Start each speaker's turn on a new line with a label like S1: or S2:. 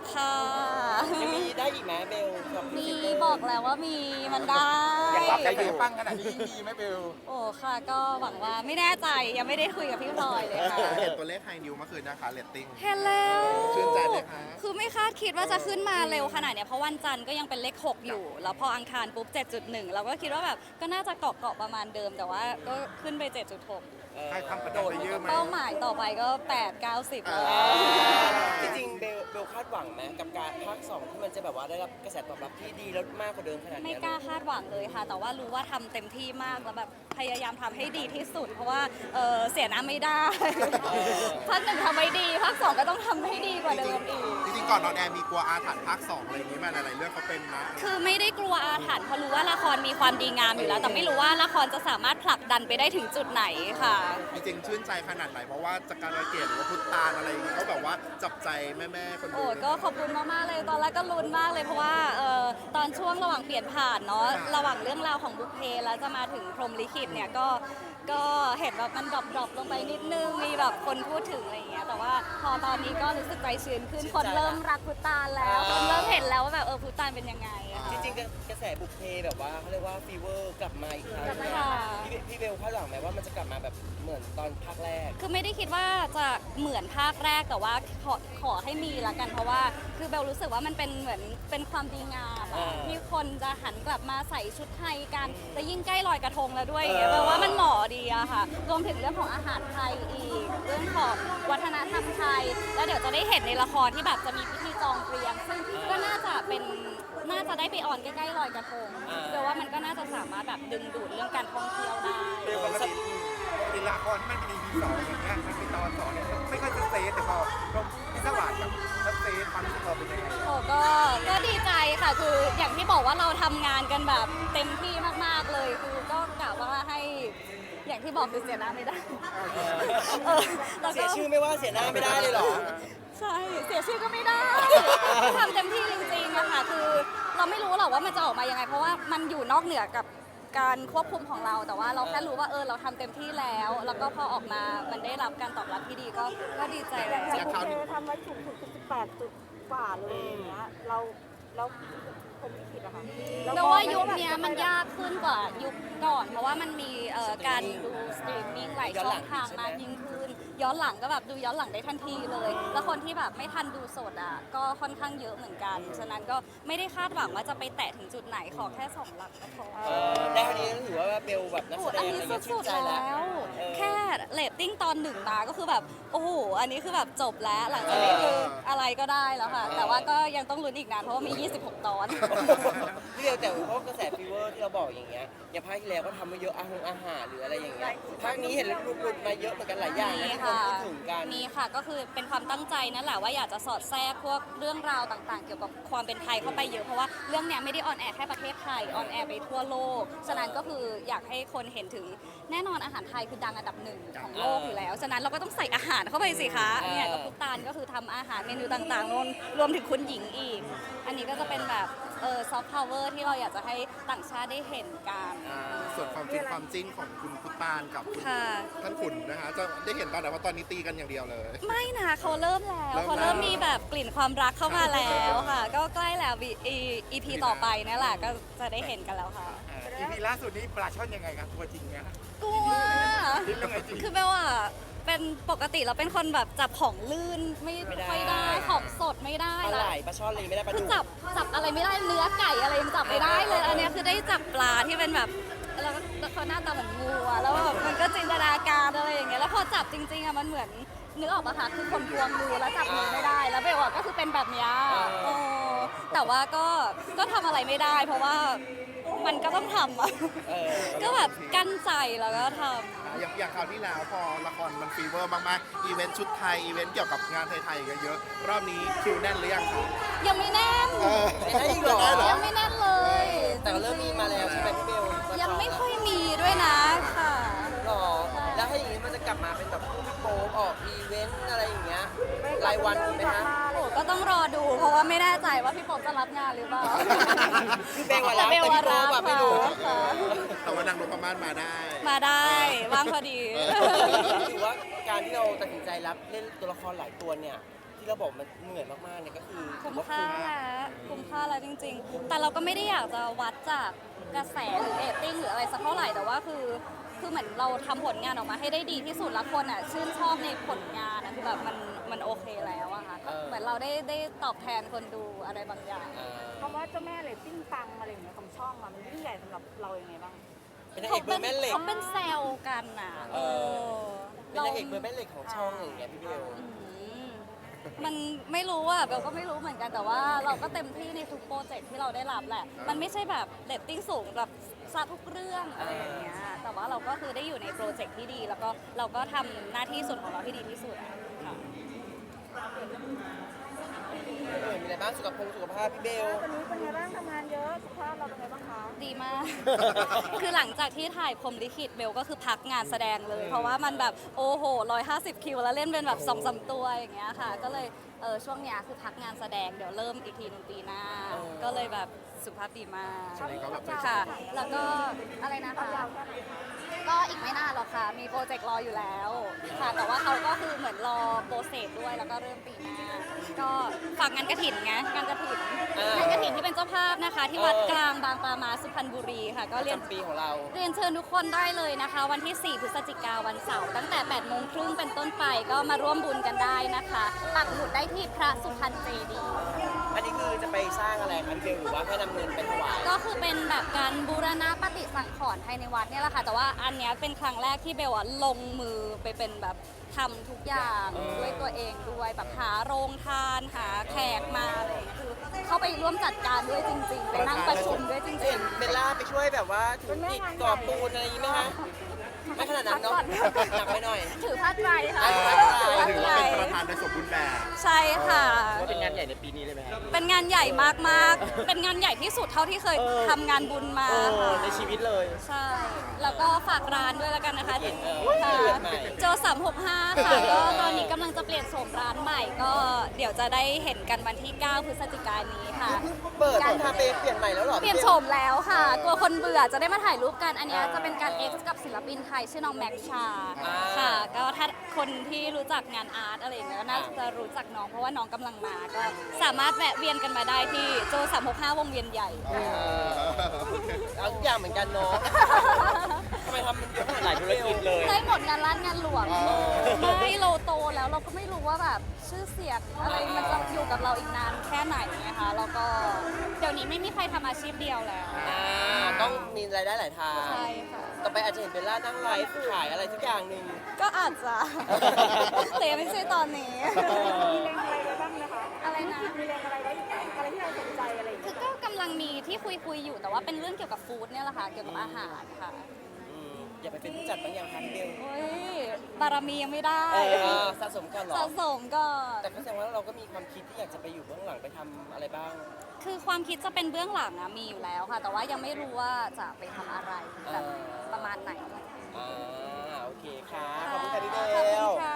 S1: ค่ะ
S2: ยังมีได้อีกไหมเบลกับ
S1: มีบอกแล้วว่ามีมันได้
S3: อยากรับใจอยู่ปังขนาดนี้มีไหมเบล
S1: โอ้ค่ะก็หวังว่าไม่แน่ใจยังไม่ได้คุยกับพี่พลอยเลยค่ะ
S4: เห็นตัวเลขไฮนิวเมื่อคืนนะคะเรตติ้ง
S1: เห็นแล้ว
S4: ชื่นใจไหมคะ
S1: คือไม่คาดคิดว่าจะขึ้นมาเร็วขนาดเนี้ยเพราะวันจันทร์ก็ยังเป็นเลข 6 อยู่ แล้วพออังคารปุ๊บ 7.1 เราก็คิดว่าแบบก็น่าจะเกาะประมาณเดิม แต่ว่าก็ขึ้นไป 7.6
S3: ใครทำประโดดไปเยอะไหม
S1: เป้าหมายต่อไปก็ 8-90 แล้ว
S2: จริงๆเบลคาดหวังไหมกับการภาค 2ที่มันจะแบบว่าได้รับกระแสตอบรับที่ดีแล้วมากกว่าเดิมขนาด
S1: ไม่
S2: นี้
S1: กล้าคาดหวังเลยค่ะ แต่ว่ารู้ว่าทำเต็มที่มากแล้วแบบพยายามทำให้ดีที่สุด เพราะว่าเสียน้ำไม่ได้ ภาค 1ทำไม่ดีภาค 2ก็ต้องทำให้ดีกว่าเดิมอีก
S4: จริงๆก่อนนอนแอร์มีกลัวอาถรรพ์ภาค 2 อะไรอย่างนี้มาหลายๆเรื่องเขาเป็นนะ
S1: คือไม่ได้กลัวอาถรรพ์เพราะรู้ว่าละครมีความดีงามอยู่แล้ว แต่ไม่รู้ว่าละครจะสามารถผลักดันไปได้ถึงจุดไหนค่ะ
S4: จริงๆชื่นใจขนาดไหนเพราะว่าจากการระเกตหรือว่าพุทธานอะไรอย่างนี้เขาแบบว่าจับใจแม่ๆคนดู
S1: โอ้ก็ขอบคุณมากๆเลยตอนแรกก็ลุ้นมากเลยเพราะว่าตอนช่วงระหว่างเปลี่ยนผ่านเนาะระหว่างเรื่องราวของบุพเพแล้วจะมาถึงพรหมลิขิตเนี่ยก็เห็นแบบมันดรอปลงไปนิดนึงมีแบบคนพูดถึงอะไรอย่างเงี้ยแต่ว่าพอตอนนี้ก็รู้สึกใจชื้นขึ้นคนเริ่มรักพุทธานแล้วคนเริ่มเห็นแล้วว่าแบบพุทธานเป็นยังไงอะค่ะ
S2: จริงๆกระแสบุพเพแบบว่าเขาเรียกว่าฟีเวอร์กลับมาอีกครั้ง
S1: ค่ะ
S2: พี่เบลคาดหวังไหมว่ามันจะกลับมาแบบเหมือนตอนภาคแรก
S1: คือไม่ได้คิดว่าจะเหมือนภาคแรกแต่ว่าขอให้มีละกันเพราะว่าคือเบลรู้สึกว่ามันเป็นเหมือนเป็นความดีงามอะที่คนจะหันกลับมาใส่ชุดไทยกันและยิ่งใกล้ลอยกระทงแล้วด้วยอย่างเงี้ยแปลว่ามันเหมาะดีอะค่ะรวมถึงเรื่องของอาหารไทยอีกเรื่องของวัฒนธรรมไทย แล้วเดี๋ยวจะได้เห็นในละครที่แบบจะมีพิธีจองเตรียมซึ่งก็น่าจะได้ไปออนใกล้ๆลอยกระทงเบลว่ามันก็น่าจะสามารถแบบดึงดูดเรื่องการท่องเที่ยวได้
S3: เบลปกติละครที่มันเป็น EP 2อย่างเงี้ยมันเป็นตอน2เนี่ยไม่ค่อยจะเซฟแต่พอลงพิศวาสกับชัดเซฟความรู้สึกเราเป็นยังไง
S1: โอ้ก็ดีใจค่ะคืออย่างที่บอกว่าเราทำงานกันแบบเต็มที่มากๆเลยคือก็กะว่าให้อย่างที่บอกคือเสียหน้าไม่ได้แล้ว
S2: เสี
S1: ก็
S2: ยชื่อไม่ว่าเสียหน้าไม่ได้เลยเหรอ
S1: ใช่เสียชื่อก็ไม่ได้ทำเต็มที่จริงๆอะค่ะคือเราไม่รู้หรอกว่ามันจะออกมายังไง เพราะว่ามันอยู่นอกเหนือกับการควบคุมของเราแต่ว่าเราแค่รู้ว่าเราทำเต็มที่แล้ว แล้วก็พอออกมามันได้รับการตอบรับที่ดีก็ดีใจแล้ว
S4: อย่างคราวนี้
S5: ทำไว้สูงสุดคือ18 จุดกว่าเลยอย่างเงี้ยเราผมไม่ผิดอะค่ะ
S1: แต่ว่ายุคเนี้ยมันยากขึ้นกว่ายุคก่อน เพราะว่ามันมีการดูสตรีมมิ่งหลายช่องทางมากยิ่งขึ้น ย้อนหลังก็แบบดูย้อนหลังได้ทันทีเลย แล้วคนที่แบบไม่ทันดูสดอ่ะก็ค่อนข้างเยอะเหมือนกัน ฉะนั้นก็ไม่ได้คาดหวังว่าจะไปแตะถึงจุดไหนขอแค่2 หลักก็พอ
S2: ได้เท่านี้ถือว่าเบลแบบนัก
S1: โอ้
S2: แสด
S1: อัน
S2: ง
S1: นี้
S2: อะไรเงี้ยชื่
S1: สุ
S2: น
S1: ด
S2: ใจ
S1: ๆ
S2: แล้ว
S1: แล้ว แค่เรตติ้งตอน1มาก็คือแบบโอ้โหอันนี้คือแบบจบแล้วหลังจากนี้คืออะไรก็ได้แล้วค่ะ แต่ว่าก็ยังต้องลุ้นอีกนานเพราะว่ามี 26 ตอน
S2: พี่เบลแต่เพราะกระแสฟีเวอร์ที่เราบอกอย่างเงี้ยอย่างภาคที่แล้วก็ทำมาเยอะอาหารหรืออะไรอย่างเงี้ยภาคนี้เห็นหลุดมาเยอะเหมือนกันหลายอย่างนะที่คนพูดถึงกัน
S1: มีค่ะก็คือเป็นความตั้งใจนั่นแหละว่าอยากจะสอดแทรกพวกเรื่องราวต่างๆ เกี่ยวกับความเป็นไทยเข้าไปเยอะเพราะว่าเรื่องเนี้ยไม่ได้ออนแอร์แค่ประเทศไทยออนแอร์ไปทั่วโลกฉะนั้นก็คืออยากให้คนเห็นถึงแน่นอนอาหารไทยคือดังอันดับ1ของโลกอยู่แล้วฉะนั้นเราก็ต้องใส่อาหารเข้าไปสิคะเนี่ยกับพุตานก็คือทำอาหารเมนูต่างๆรวมถึงคุณหญิงอีก อันนี้ก็จะเป็นแบบซอฟต์พาวเวอร์ที่เราอยากจะให้ต่างชาติได้เห็นกัน
S4: ส่วนความฟินความจิ้นของคุณพุทธานกับคุณ
S1: ค่ะ
S4: ท่านขุนนะคะจะได้เห็นตอนไหนเพราะตอนนี้ตีกันอย่างเดียวเลย
S1: ไม่นะเขาเริ่มแล้ว
S4: เริ่มแล้ว
S1: เขาเริ่มมีแบบกลิ่นความรักเข้ามาแล้วค่ะ ก็ใกล้แล้ว EP ต่อไปนั่นแหละก็จะได้เห็นกันแล้วค่ะ
S3: EP ล่าสุดนี้ปลาช่อนยังไงครับตัวจริงเนี่ย
S1: กลัว
S3: คิดยังไงจริง
S1: คือเบลอะเป็นปกติเราเป็นคนแบบจับของลื่นไม่ค่อยได้ของสดไม่ได้
S2: ปลา
S1: แล้
S2: ไหล
S1: ว
S2: ปลาช่อนเลยไม่ได้ปลา
S1: คื
S2: ดุ
S1: อก จับอะไรไม่ได้เนื้อไก่อะไรยังจับไม่ได้เลยอันเนี้ยคือได้จับปลาที่เป็นแบบแล้วเขาหน้าตาเหมือนงูอะแล้วแบบมันก็จินตนาการอะไรอย่างเงี้ยแล้วพอจับจริงๆอะมันเหมือนนึกออกปะคะคือคนกลัวงูแล้วจับงูไม่ได้แล้วเบลอะก็คือเป็นแบบเนี้ยโอ้แต่ว่าก็ทำอะไรไม่ได้ เพราะว่ามันก็ต้องทำอะ ก็แบบกั้นใจแล้วก็ทำ
S4: อย่างคราวที่แล้วพอละครมันฟีเวอร์มากๆอีเวนต์ชุดไทยอีเวนต์เกี่ยวกับงานไทยๆเยอะๆรอบนี้คิวแน่นหรือยังคะ
S1: ยังไม่แน่น
S2: ไม่ได้อีกเหรอ
S1: ยังไม่แน่นเลย
S2: แต่ก็เริ่มมีมาแล้วใช่ไหมพี่เบล
S1: ยังไม่ค่อยมีด้วยนะค่ะ
S2: หรอแล้วถ้าอย่างนี้มันจะกลับมาเป็นแบบคู่พี่โป๊ปออกอีเวนต์อะไรอย่างเงี้ยรายวันไหมคะ
S1: โอ้ก็ต้องรอดูเพราะว่าไม่แน่ใจว่าพี่ป๊อบจะรับงานหรือเปล่า
S2: คือเบลว่ารับ
S1: แต่เบลว่า
S2: แต่พี่โป๊
S1: รับ
S2: ปอะไม่รู้
S1: ค่ะ
S4: แต่ว่านางนพมาศมาได้
S1: มาได้ว่างพอดี
S2: ถือว่าการที่เราตัดสินใจรับเล่นตัวละครหลายตัวเนี่ยที่ที่เราบอกมันเหนื่อยมากๆเนี่ยก็คือ
S1: คุ้มค่าแล้วคุ้มค่าแล้วจริง ๆ แต่เราก็ไม่ได้อยากจะวัดจากกระแสหรือเรตติ้งหรืออะไรสักเท่าไหร่แต่ว่าคือเหมือนเราทำผลงานออกมาให้ได้ดีที่สุดแล้วคนอ่ะชื่นชอบในผลงานนะคือแบบมันโอเคแล้วอะค่ะเหมือนเราได้ตอบแทนคนดูอะไรบางอย่าง
S5: คำว่าเจ้าแม่เรตติ้งปังอะไรอย่างเงี้ยของช่องอะมันยิ่งใหญ่สำหรับเรายังไงบ้าง
S2: เป็นนางเอกเบอร์แม่เหล็ก
S1: เขาเป็นแซวกันน่ะ
S2: เป็นนางเอกเบอร์แม่เหล็กของช่องอย่างเงี้ยพี่เบล
S1: มันไม่รู้อ่ะเบลก็ไม่รู้เหมือนกันแต่ว่าเราก็เต็มที่ในทุกโปรเจกต์ที่เราได้รับแหละ มันไม่ใช่แบบเรตติ้งสูงแบบซาทุกเรื่องอะไรอย่างเงี้ยแต่ว่าเราก็คือได้อยู่ในโปรเจกต์ที่ดี แล้วก็เราก็ทำหน้าที่ส่วนของเราที่ดีที่สุดค่ะ
S2: มีอะไรบ้างสุขภาพพี่เบล
S5: วันนี้เป็นไงบ้างทำงานเยอะสุขภาพเราเป็นไงบ้างคะ
S1: ดีมาก คือหลังจากที่ถ่ายพรหมลิขิตเบลก็คือพักงานแสดงเลย เพราะว่ามันแบบโอ้โห150 คิวแล้วเล่นเป็นแบบ2-3 ตัวอย่างเงี้ยค่ะ ก็เลยช่วงเนี้ยคือพักงานแสดงเดี๋ยวเริ่มอีกทีนึงปีหน้า ก็เลยแบบสุขภาพดีมาก
S4: ช่วงนี้ก็แบบ
S1: ค่ะ แล้วก็อะไรนะคะ ก็อีกไม่นานหรอกค่ะ มีโปรเจกต์รออยู่แล้วค่ะ แต่ว่าเขาก็คือเหมือนรอโปรเซสด้วย แล้วก็เริ่มปีหน้า ก็ฝากงานกระถินไงงานกระถินงานกระถินที่เป็นเจ้าภาพนะคะ ที่วัดกลางบางปลามาสุพรรณบุรีค่ะ ก็
S2: ประ
S1: เรียน
S2: จำปีของเรา
S1: เรียนเชิญทุกคนได้เลยนะคะ วันที่ 4 พฤศจิกายนวันเสาร์ตั้งแต่ 8 โมงครึ่งเป็นต้นไปก็มาร่วมบุญกันได้นะคะปักหมุดได้ที่พระสุพรรณเจดีย์
S2: อันนี้คือจะไปสร้างอะไรคะพี่เบลหรือว่าแค่นำเงินไปถวาย
S1: ก็คือเป็นแบบการบูรณะปฏิสังขรณ์ภายในวัดเนี่ยแหละค่ะ แต่ว่าอันเนี้ยเป็นครั้งแรกที่เบลอะลงมือไปเป็นแบบทำทุกอย่างด้วยตัวเองด้วยแบบหาโรงทานหาแขกมาอะไรอย่างเงี้ยคือเข้าไปร่วมจัดการด้วยจริงๆไปนั่งประชุมด้วยจริ
S2: เห็
S1: ง
S2: นเบลล่าไปช่วยแบบว่าถืออิฐก่อปูนอะไรอย่างงี้ไหมคะไม่ขนาดนั้นเนาะหนักไปหน่อย
S1: ๆถือผ้าไตรค่ะ
S2: ถือผ้าไตร
S1: ถือผ้า
S4: ถือ
S1: ไตร
S4: ว่าเป็นประธานในสมบูรณ์แบบ
S1: ใช่ค่ะ
S2: ว่าเป็นงานใหญ่ในปีนี้เลยไหมครับ
S1: เป็นงานใหญ่มากๆ เป็นงานใหญ่ที่สุดเท่าที่เคยทำงานบุญมาค่ะ
S2: ในชีวิตเลย
S1: ใช่ แล้วก็ฝากร้านด้วยแล้วกันนะคะ
S2: เห็น
S1: ค่ะ
S2: เปลี่ยนใหม่
S1: โจ365 ค่ะ ก็ตอนนี้กำลังจะเปลี่ยนโฉมร้านใหม่ ก็เดี๋ยวจะได้เห็นกันวันที่ 9 พฤศจิกายนนี้ค่ะ
S2: เปิดต้องทำเปลี่ยนใหม่แล้วเหรอ
S1: เปลี่ยนโฉมแล้วค่ะ กลัวคนเบื่อจะได้มาถ่ายรูปกัน อันเนี้ยจะเป็นการ X กับศิลปินไทยชื่อน้องแม็กชา ค่ะ ก็ถ้าคนที่รู้จักงานอาร์ตอะไรอย่างเงี้ยก็น่าจะรู้จักน้อง เพราะว่าน้องกำลังมา ก็สามารถแวะเวียนกันมาได้ที่โจ365 วงเวียนใหญ่
S2: เอาทุกอย่างเหมือนกันเนาะทำไมทำมันเยอะหลายธุรกิจเลย
S1: ได้หมดงานร้านงานหลวงไม่เราโตแล้วเราก็ไม่รู้ว่าแบบชื่อเสียงอะไรมันจะอยู่กับเราอีกนานแค่ไหนนะคะแล้วก็เดี๋ยวนี้ไม่มีใครทำอาชีพเดียวแล้ว
S2: ต้องมีรายได้หลายทาง
S1: ใช่ค่ะ
S2: ต่อไปอาจจะเห็นเบลล่านั่งไลฟ์ขายอะไรทุกอย่างหนึ่ง
S1: ก็อาจจะ แต่ยังไม่ใช่ตอนนี้
S5: มีแรงอะไรไว้บ้างนะคะ
S1: อะไรนะ
S5: มีแรงอะไรไว้อะไรที่เราสนใจอะไรอย่าง
S1: คื
S5: เงี้
S1: อย ก็กำลังมีที่คุยอยู่แต่ว่าเป็นเรื่องเกี่ยวกับฟู้ดเนี่ยแหละค่ะเกี่ยวกับอาหารค่ะ
S2: อย่าไปเป็นผู้จัดบางอย่างค่ะพี่เบล
S1: เฮ้ยบารมียังไม่ได้
S2: สะสมก่อนเหรอ
S1: สะสมก่อน
S2: แต่ก็แสดงว่าเราก็มีความคิดที่อยากจะไปอยู่เบื้องหลังไปทำอะไรบ้าง
S1: คือความคิดจะเป็นเบื้องหลังอะมีอยู่แล้วค่ะ แต่ว่ายังไม่รู้ว่าจะไปทำอะไรแบบประมาณไหน
S2: โอเคค่ะ ขอบคุณค่ะพี่เบ
S1: ขอบคุ
S2: ล
S1: ณค่ะ